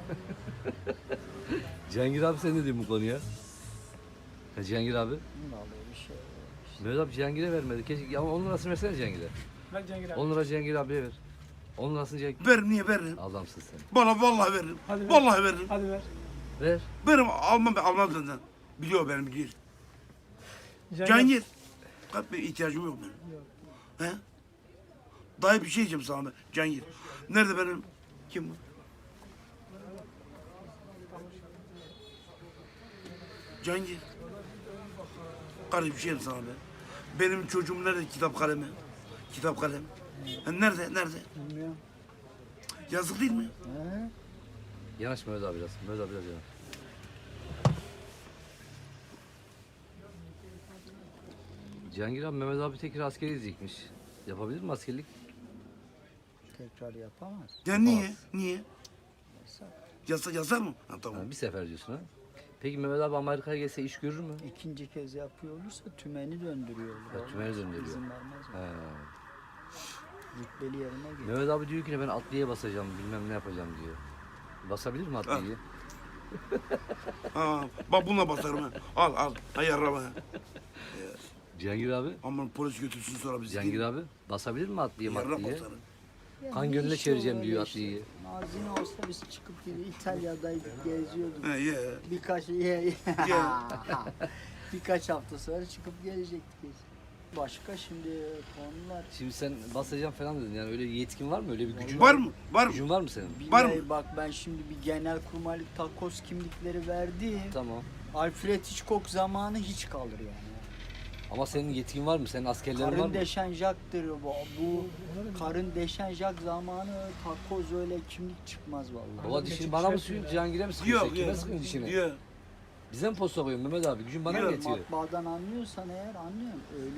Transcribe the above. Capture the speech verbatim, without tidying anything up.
Cihangir abi sen ne diyorsun bu konuya? Ha, Cihangir abi. Vallahi bir şey yok işte. Mehmet abi Cihangir'e vermedi. Keşke ama on lirasını versene Cihangir'e. Ver Cengiz abi. on lira Cihangir abiye ver. on lirasını Cihangir. Ver niye veririm? Adamsın sen. Bana vallahi veririm. Hadi ver. Vallahi veririm. Hadi ver. Ver. Veririm almam ben almam senden. Biliyor benim biliyor. Cengiz. Cihangir. Kalk bir ihtiyacım yok benim. He? Dayı bir şey diyeceğim sana ben. Cihangir. Nerede benim? Kim bu? Cihangir. Kardeşim bir şey diyeyim sana be. Benim çocuğum nerede kitap kalemi? Kitap kalem. Ha, nerede? Nerede? Bilmiyorum. Yazık değil mi? He? Yanaş Mehmet abi biraz. Mehmet abi biraz yanaş. Cihangir abi Mehmet abi tekrar askeri gidecekmiş. Yapabilir mi askerlik? Tekrar yapamaz. Ya niye? Niye? Yasak. Yazar, yazar mı? Ha, tamam. Ha, bir sefer diyorsun ha. Peki Mehmet abi Amerika'ya gelse iş görür mü? İkinci kez yapıyor olursa tümeni döndürüyorlar. Ha, tümeni döndürüyor. İzin vermez mi? He. Rütbeli yerine gelir. Mehmet abi diyor ki ben atlıya basacağım bilmem ne yapacağım diyor. Basabilir mi atlıyı? Ha, bak bununla basarım ha. Al al. Hay araba. Cihangir abi. Aman polis götürsün sonra bizi. Cihangir abi basabilir mi atlıyı Yarra matlıyı? basarım. Yani Kan gönlüne iş çevireceğim öyle diyor işte. atlıyı. Nazine olsa biz çıkıp gidiyor. İtalya'daydık, geziyorduk. He ye. Birkaç ye, Ya. birkaç hafta sonra çıkıp gelecektik. biz. Başka şimdi konular. Şimdi sen basacağım falan dedin yani öyle bir yetkin var mı? Öyle bir gücün Var mı? Var mı? Gücün var mı senin? Var Billahi mı? bak ben şimdi bir genel kurmaylık takoz kimlikleri verdim. Tamam. Alfred Hitchcock zamanı hiç kalır yani. Ama senin yetkin var mı? Senin askerlerin var Karın mı? deşen Jack'tır bu. Bu karın deşen Jack zamanı takoz öyle kimlik çıkmaz vallahi. Baba dişini bana mı sıkıyorsun? Cihangir'e mi sıkıyorsun? Yok Kime yok. sıkıyorsun dişini? Yok. Bize mi posta koyuyorsun Mehmet abi? Gücün bana mı Yok, yetiyor? Matbaadan anlıyorsan eğer anlıyorum. Öyle